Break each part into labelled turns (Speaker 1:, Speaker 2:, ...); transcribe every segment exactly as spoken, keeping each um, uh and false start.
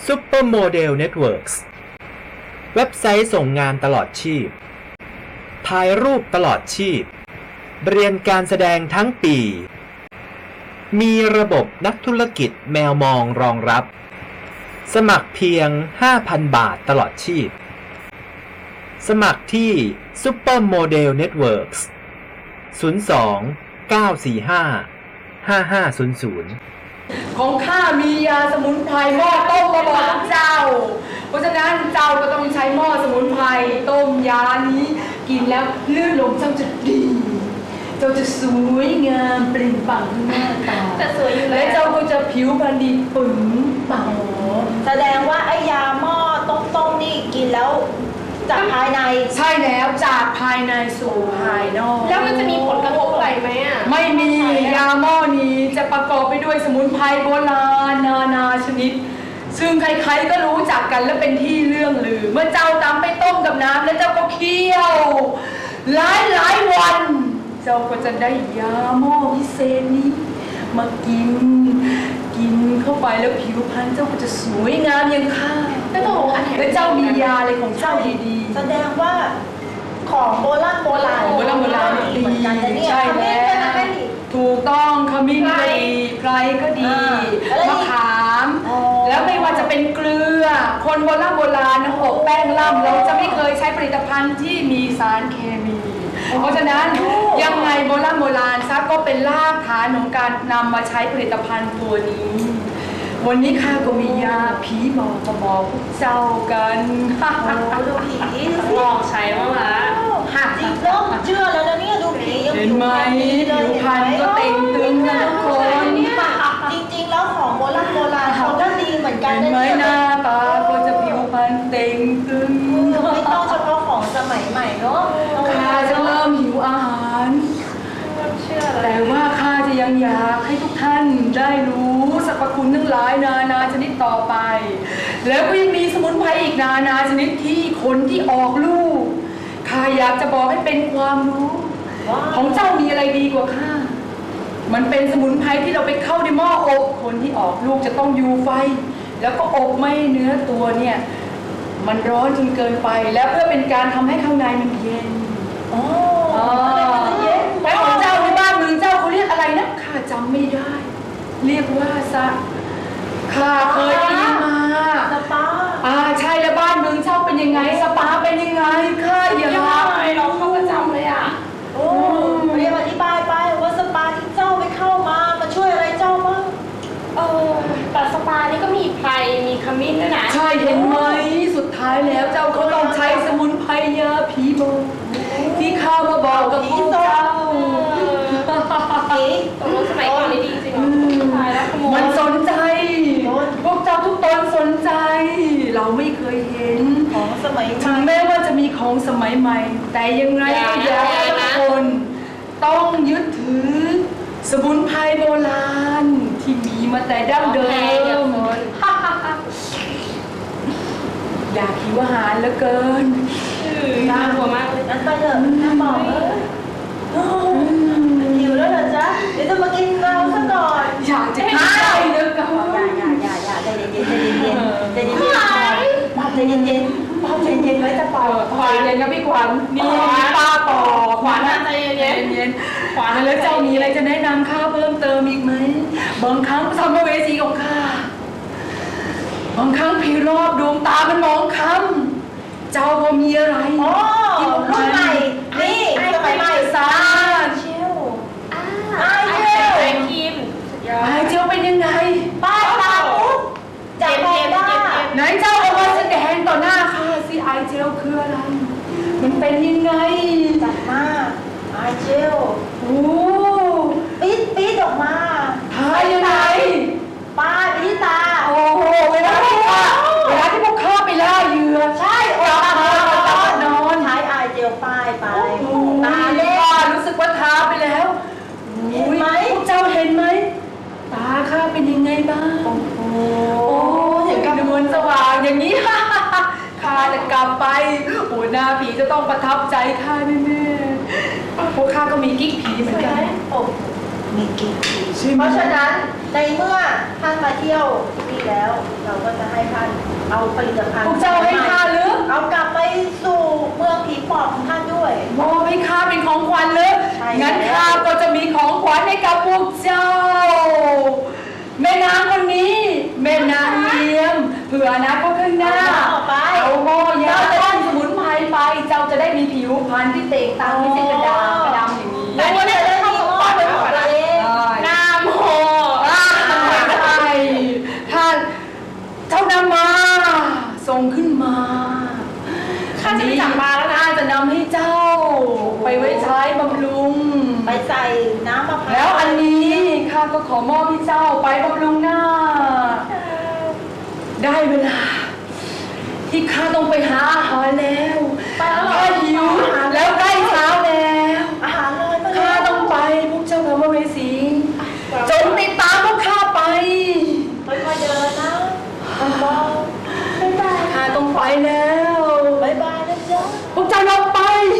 Speaker 1: Supermodel Networks เว็บไซต์ส่งงานตลอดชีพถ่ายรูปตลอดชีพเรียนการแสดงทั้งปีมีระบบนักธุรกิจแมวมองรองรับสมัครเพียง ห้าพัน บาทตลอดชีพสมัครที่ Supermodel Networks ศูนย์ สอง เก้า สี่ ห้า ห้า ห้า ศูนย์ ศูนย์
Speaker 2: ของข้ามียาสมุนไพรหม้อต้มมาบอกเจ้าเพราะฉะนั้นเจ้าก็ต้องใช้หม้อสมุนไพรต้มยานี้กินแล้วลื่นลมเจ้าจะดีเจ้าจะสวยงามเปล่งปลั่งหน้าตา
Speaker 3: แต่สวยอยู่แล้ว
Speaker 2: และเจ้าก็จะผิวพรรณดีปึ๋งปัง
Speaker 3: แสดงว่าไอ้ยาหม้อต้มๆนี่กินแล้วจากภายใน
Speaker 2: ใช่แล้วจากภายในสู่ภายนอก
Speaker 3: แล้วมันจะมีผลกระทบอะไรไหมอ่ะ
Speaker 2: ไม่มียาหม้อนี้จะประกอบไปด้วยสมุนไพรโบราณนานาชนิดซึ่งใครๆก็รู้จักกันและเป็นที่เรื่องลือเมื่อเจ้านำไปต้มกับน้ำแล้วเจ้าก็เคี่ยวหลายหลายวันเจ้าก็จะได้ยาหม้อพิเศษนี้มากินกินเข้าไปแล้วผิวพรรณเจ้าก็จะสวยงามอย่างข้า
Speaker 3: แล้วต้องบอกอันไหน
Speaker 2: แล้วเจ้ามียาอะไรของเจ้าดี
Speaker 3: ๆแสดงว่าของโบราณโบราณ
Speaker 2: โบราณโบราณดีเหมือนกันนะเนี่ยใช่แล้วถูกต้องขมิ้นก็ดีไพรก็ดีมะขามแล้วไม่ว่าจะเป็นเกลือคนโบราณโบราณนะอบแป้งล่ำเราจะไม่เคยใช้ผลิตภัณฑ์ที่มีสารเคมีเพราะฉะนั้นยังไงโบราณโบราณซักก็เป็นรากฐานของการนำมาใช้ผลิตภัณฑ์ตัวนี้วันนี้ข้าก็มียาผีบอกมาบอกพวกเจ้ากัน
Speaker 3: โอ้ดูผี
Speaker 2: ลองใช้บ้างละ
Speaker 3: หักจริงเริ่มเชื่อแล้วนะเนี่ยดูผี
Speaker 2: เห็นไหมผิวพรรณก็เต่งตึงนะทุกคน
Speaker 3: จริงๆแล้วของโบราณโบราณเขาก็ดีเหมือนกัน
Speaker 2: นะเนี่ยหน้าตาก็จะผิวพรรณเต่งตึง
Speaker 3: ไม่ต้องเฉพาะของสมัยใหม่เนาะ
Speaker 2: ข้าจะเริ่มหิวอาหารแต่ว่าข้าจะยังอยากให้ทุกท่านได้รู้สรรพคุณทั้งหลายนานาชนิดต่อไปแล้วก็ยังมีสมุนไพรอีกนานาชนิดที่คนที่ออกลูกข้าอยากจะบอกให้เป็นความรู้ของเจ้ามีอะไรดีกว่าข้ามันเป็นสมุนไพรที่เราไปเข้าในหม้ออบคนที่ออกลูกจะต้องอยู่ไฟแล้วก็อบไม่เนื้อตัวเนี่ยมันร้อนจนเกินไปแล้วเพื่อเป็นการทำให้ข้างในมันเย็น
Speaker 3: อ๋อ
Speaker 2: เย็นแล้วของเจ้าในบ้านเมืองเจ้าเขาเรียกอะไรนะข้าจำไม่ได้เรียกว่าซะข้าเคยได้ยินมา
Speaker 3: สปา
Speaker 2: อ่าใช่แล้วบ้านเมืองเจ้าเป็นยังไงสปาเป็นยังไงข้าอยาก
Speaker 3: เราเข้าประจำเลยอ่ะโอ้เรียกอธิบายไปว่าสปาที่เจ้าไปเข้ามามาช่วยอะไรเจ้าบ้างเออแต่สปานี่ก็มีไพรมีขมิ้นด้วยนะ
Speaker 2: ใช่เห็นไหมสุดท้ายแล้วเจ้าก็ต้องใช้สมุนไพรยาผีบอกที่ข้ามาบอกกับพวกเจ้า
Speaker 3: ตรงสมัยก่อนนี่ดีจริง
Speaker 2: มันสนใจพวกเจ้าทุกตนสนใจเราไม่เคยเห็น
Speaker 3: ของสมัย
Speaker 2: ถึงแม้ว่าจะมีของสมัยใหม่แต่ยังไงก็อยากให้ทุกคนต้องยึดถือสมุนไพรโบราณที่มีมาแต่ดั้งเดิมอยากหิวอาหารเหลือเกิน
Speaker 3: น่ากลัวมากเลยงั้นไปเถอะน่าบอกเลยหิวแล้วเหรอจ๊ะเดี๋ยวจะมากินเราซะก่อน
Speaker 2: อยากจะกินไก่เด้อก่อน
Speaker 3: อย่าอย่าอย่าอย่าใจเย็นใจเย็นใจเย็นใจเย็นใจเย็นใจเย็นใจเย็นไว้จะปอ
Speaker 2: ขวัญเย็นกับพี่ขวัญนี่ป้าปอขวัญใจเย็นเย็นขวัญแล้วเจ้ามีอะไรจะแนะนำข้าเพิ่มเติมอีกไหมบางครั้งสัมภเวสีของข้าบางครั้งผีรอบดวงตามันมองคำเจ้าพอมีอะไร
Speaker 3: อ๋อรุ่นใหม่นี่สมัยใหม่
Speaker 2: ซา
Speaker 3: เชียว
Speaker 2: ไอเจลไอเจลเป็นยังไง
Speaker 3: ป้าตาปุ๊บจับเลยว่า
Speaker 2: ไหนเจ้าเอามาแสดงต่อหน้าข้าสิไอเจลคืออะไรมันเป็นยังไง
Speaker 3: จับมาไอเจล
Speaker 2: โอ้
Speaker 3: ปี๊ดปี๊ดออกมา
Speaker 2: ทายยังไง
Speaker 3: ป้าปี๊ดตา
Speaker 2: โอ้โหเวลาที่ข้าเวลาที่พวกข้าไปล่าเหยื่อ
Speaker 3: ใช่
Speaker 2: โอ้
Speaker 3: ต
Speaker 2: านอน
Speaker 3: ใช้ไอเจลป้ายไป
Speaker 2: ตาเล่รู้สึกว่าทาไปแล้ว
Speaker 3: เห็นไหม
Speaker 2: พวกเจ้าเห็นไหมตาข้าเป็นยังไงบ้าง
Speaker 3: โอ้โห
Speaker 2: อย่างกับนวลสว่างอย่างนี้ข้าจะกลับไปโอ้หน้าผีจะต้องประทับใจข้าแน่ๆพวกข้าก็มีกิ๊กผีเหมือนกัน
Speaker 3: มีกิ๊กเพราะฉะนั้นในเมื่อท่านมาเที่ยวที่นี่แล้ว เราก็จะให้ท่านเอาผลิตภัณฑ์
Speaker 2: พวกเจ้าให้ข้าหรือ
Speaker 3: เอากลับไปสู่เมืองผีปอบของท่านด้วย
Speaker 2: มอบให้ข้าเป็นของขวัญหรือ
Speaker 3: ใช่
Speaker 2: งั้นข้าก็จะมีของขวัญให้กับพวกเจ้า แม่นางคนนี้ แม่นางเลี้ยมเผื่ออนาคตข้างหน้า
Speaker 3: เอาไป
Speaker 2: เอาหม้อยาต้านสมุนไพรไป เจ้าจะได้มีผิวพรรณที่เต่งตังไม่ใช่กระดาษกระดำอย่างนี้
Speaker 3: แต่ว่าจะได้มีข้อเป็นของตัวเอง
Speaker 2: นามโหอ่าใช่ท่านเจ้านำมาส่งขึ้นมา
Speaker 3: ข้าจะไปจับมาแล้วนะ
Speaker 2: ข้าจะนำให้เจ้า ไปไว้ใช้บำรุง
Speaker 3: ไปใส่น้ำมะพร้าว
Speaker 2: แล้วอันนี้ข้าก็ขอมอบให้เจ้าไปบำรุงหน้า ได้เวลา ที่ข้าต้องไปหาอาหารแล้วข้าหิวแล้วใกล้เช้าแล้ว
Speaker 3: อาหารเลยมา
Speaker 2: ข้าต้องไปพวกเจ้าธรรมเวสีจงติดตามพวกข้าไป
Speaker 3: ค่อยๆเดินนะเบาๆบ๊ายบาย
Speaker 2: ข้าต้องไปแล้ว
Speaker 3: บ๊ายบายนะจ๊ะ
Speaker 2: พวกเจ้าลงไป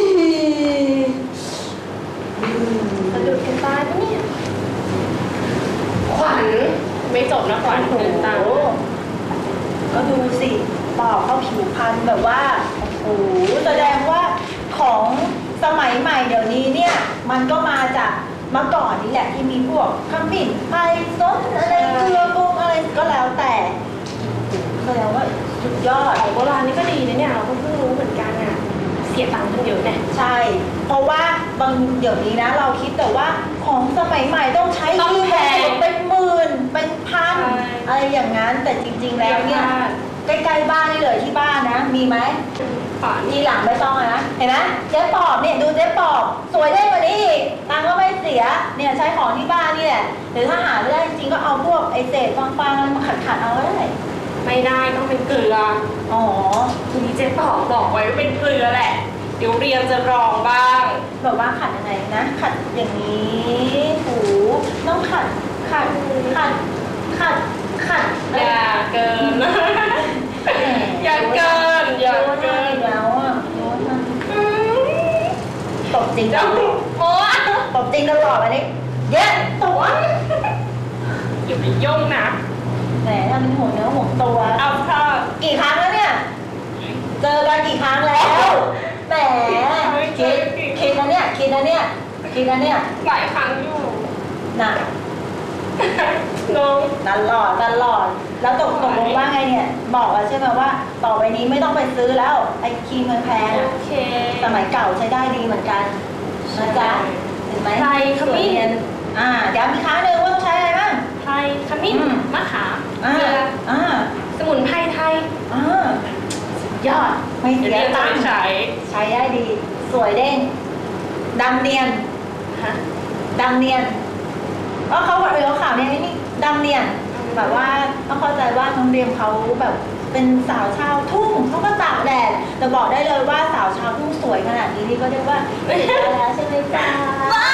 Speaker 3: สะดุดกันตายปะเนี่ย
Speaker 4: ขวัญไม่จบนะขวัญเดินตาม
Speaker 3: โอ้โหก็ดูสิปอบเขาผิวพรรณแบบว่า โอ้โห แสดงว่าของสมัยใหม่เดี๋ยวนี้เนี่ย มันก็มาจากเมื่อก่อนนี่แหละที่มีพวกขมิ้นไพรซดอะไรเกลือปรุงอะไรก็แล้วแต่แสดงว่าสุดยอด
Speaker 4: ของโบราณนี่ก็ดีนะเนี่ยเราก็เพิ่งรู้เหมือนกันอ่ะเสียตังค์กันเยอะเนี่ย
Speaker 3: ใช่ เพราะว่าบางเดี๋ยวนี้นะ เราคิดแต่ว่าของสมัยใหม่ต้องใช้
Speaker 4: ต้องแพง
Speaker 3: เป็นหมื่นเป็นพัน
Speaker 4: ใช่
Speaker 3: อะไรอย่างนั้น แต่จริง ๆ แล้วเนี่ยใกล้ๆบ้านนี่เลยที่บ้านนะ มีไหม
Speaker 4: ขวัญ
Speaker 3: ทีหลังไม่ต้องอะนะ เห็นไหมเจ๊ปอบเนี่ยดูเจ๊ปอบสวยได้กว่านี้อีกตังค์ก็ไม่เสีย เนี่ยใช้ของที่บ้านนี่แหละหรือถ้าหาไม่ได้จริงๆก็เอาพวกไอเศษฟางๆอะไรมาขัดๆเอาก็ได้
Speaker 4: ไม่ได้ต้องเป็นเกลือ
Speaker 3: อ๋อ
Speaker 4: ทีนี้เจ๊ป๋อบอกไว้ว่าเป็นเกลือแหละ เดี๋ยวเรียนจะลองบ้าง
Speaker 3: แบบว่าขัดยังไงนะ ขัดอย่างนี้ถูต้องขัด ขัด ขัด ขัด ขัด
Speaker 4: อย่าเกิน อย่าเกินอย่าเกิน
Speaker 3: แล้วอ่ะโน้ตมัน
Speaker 4: อืม
Speaker 3: ตบจริงต
Speaker 4: เจ้า
Speaker 3: ลอด
Speaker 4: โอ้
Speaker 3: ตบจริงตลอดอันนี้เย็ดตัว
Speaker 4: อย่าไปยุ่งนะ
Speaker 3: แหมทำเป็นห่วงเนื้อห่วงตัว
Speaker 4: เอาค่ะ กี่
Speaker 3: กี่ครั้งแล้วเนี่ย เจอกันกี่ครั้งแล้ว แหมคิดคิดนะเนี่ย คิดนะเนี่ย คิดนะเนี่ย
Speaker 4: หลายครั้งอยู่
Speaker 3: น่ะ
Speaker 4: น้อง
Speaker 3: ตลอดตลอด แล้วตกตกลงว่าไงเนี่ย บอกแล้วใช่ไหมว่า ต่อไปนี้ไม่ต้องไปซื้อแล้ว ไอ้ครีมแพงๆ
Speaker 4: โอ
Speaker 3: อะ
Speaker 4: เค
Speaker 3: สมัยเก่าใช้ได้ดีเหมือนกันนะจ๊ะเห็นไหม
Speaker 4: ไทยขมิ้น
Speaker 3: สวยเนียอ่าเดี๋ยวมีครั้งหนึ่งว่าต้องใช้อะไรบ้าง
Speaker 4: ไทยขมิ้น
Speaker 3: อืม
Speaker 4: มะขาม
Speaker 3: อ่า
Speaker 4: เกลือ
Speaker 3: อ่า
Speaker 4: สมุนไพรไทย
Speaker 3: อ่ายอดไม่
Speaker 4: เดี๋
Speaker 3: เสี
Speaker 4: ยวย เรียนจะ
Speaker 3: ตัง
Speaker 4: ไป
Speaker 3: ค์
Speaker 4: ใช้
Speaker 3: ใช้ได้ดี สวยเด้งดำเนียน
Speaker 4: ฮะ
Speaker 3: ดำเนียนเพราะเขาบอกเออเขาข่าวเนี่ยนี่ดำเนียนแบบว่าต้องเข้าใจว่าน้องเรียมเขาแบบเป็นสาวชาวทุ่งเขาก็ตากแดดแต่บอกได้เลยว่าสาวชาวทุ่งสวยขนาดนี้นี่ก็เรียกว่าเสร็จแล้วใช่ไหมจ๊ะ
Speaker 4: บ้า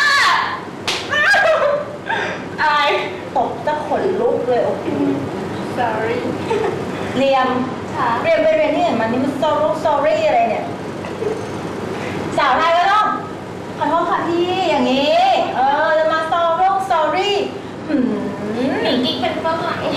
Speaker 4: อาย
Speaker 3: ตบจะขนลุกเลยโอ้โห
Speaker 4: sorry
Speaker 3: เรียม
Speaker 4: ค่ะ
Speaker 3: เรียมไปเรียนที่ไหนมานี่มัน sorry sorry อะไรเนี่ยสาวไทยก็ต้องขอโทษค่ะพี่อย่างนี้ เออจะมา sorry sorry หืม
Speaker 4: หนีกิ๊กเป็นฝรั่ง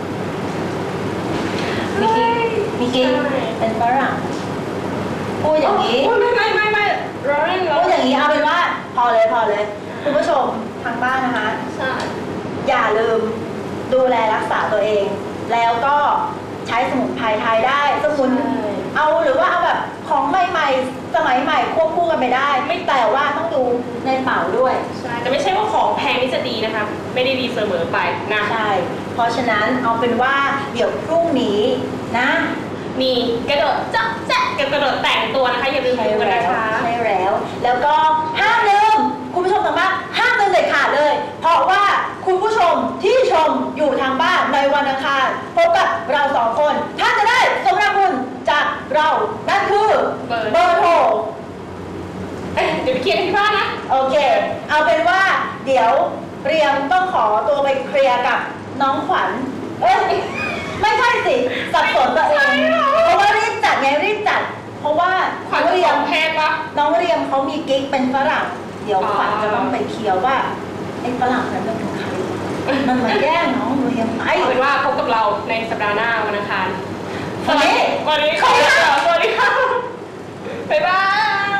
Speaker 3: มีกิ๊กมีกิ๊ก
Speaker 4: ใช่
Speaker 3: เป็นฝรั่งพูดอย่างนี้
Speaker 4: โไม่ไม่ไม่ไม่ร้อนร้อ
Speaker 3: พูด
Speaker 4: น
Speaker 3: อย่างนี้เอาเป็นว่า พอเลยพอเลยคุณผู้ชมทางบ้านนะคะ
Speaker 4: ใช่
Speaker 3: อย่าลืมดูแลรักษาตัวเอง แล้วก็ใช้สมุนไพรไทยได้สมุนเอาหรือว่าเอาแบบของใหม่ๆสมัยใหม่ควบคู่กันไปได้ ไม่แต่ว่าต้องดูในเป๋าด้วย
Speaker 4: ใช่แต่ไม่ใช่ว่าของแพงนี่จะดีนะคะ ไม่ได้ดีเสมอไปนะ
Speaker 3: ใช่ เพราะฉะนั้นเอาเป็นว่าเดี๋ยวพรุ่งนี้นะ
Speaker 4: มีกระโดดจ๊อกแจ๊กกับกระโดดแต่งตัวนะคะอย่าลืม
Speaker 3: ใช่
Speaker 4: ดูกัน
Speaker 3: แล้ว
Speaker 4: นะคะ
Speaker 3: ใช่แล้ว แล้วก็ห้ามลืมคุณผู้ชมทางบ้านห้ามลืมเด็ดขาดเลย เพราะว่าคุณผู้ชมที่ชมอยู่ทางบ้านในวันอังคารพบกับเราสองคนท่านจะได้สมนาคุณจากเรานั่นคือ
Speaker 4: เบอร์
Speaker 3: เบอร์โทร
Speaker 4: เอ้ยเดี๋ยวไปเคลียร์กันที่บ้านนะ
Speaker 3: โอเค เอาเป็นว่าเดี๋ยวเรียมต้องขอตัวไปเคลียร์กับน้องขวัญ เอ้ย ไม่ใช่สิสับสนตัวเอง เพราะว่ารีบจัดไงรีบจัด เพราะว่า
Speaker 4: ขวัญ
Speaker 3: น้อง
Speaker 4: จะ
Speaker 3: เรี
Speaker 4: ข
Speaker 3: ย
Speaker 4: อ
Speaker 3: ม
Speaker 4: งแพงปะ
Speaker 3: น้องเรียมเขามีกิ๊กเป็นฝรั่ง เดี๋ยว
Speaker 4: อ๋อ
Speaker 3: ขวัญจะต้องไปเคลียร์ว่าไอ้ฝรั่งนั้นมันเป็นใครมันมาแย่งน้องหนูเห็นไหม
Speaker 4: เอาเป็นว่าพบกับเราในสัปดาห์หน้าวันอังคาร
Speaker 3: วันนี้
Speaker 4: วันนี้ขอลาไปก่อนสวัสดีค่ะ บ๊ายบาย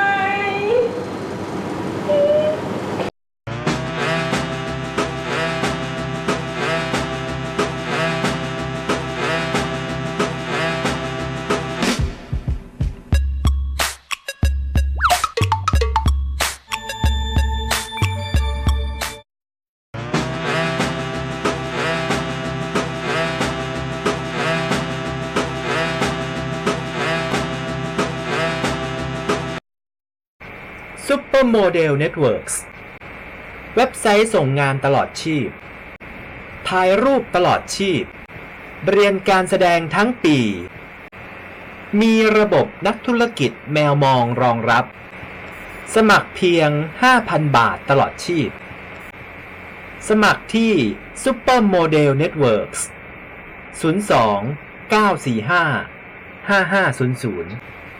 Speaker 1: Supermodel Networks เว็บไซต์ส่งงานตลอดชีพ ถ่ายรูปตลอดชีพ เรียนการแสดงทั้งปี มีระบบนักธุรกิจแมวมองรองรับ สมัครเพียง ห้าพัน บาทตลอดชีพ สมัครที่ Supermodel Networks ศูนย์ สอง เก้า สี่ ห้า ห้า ห้า ศูนย์ ศูนย์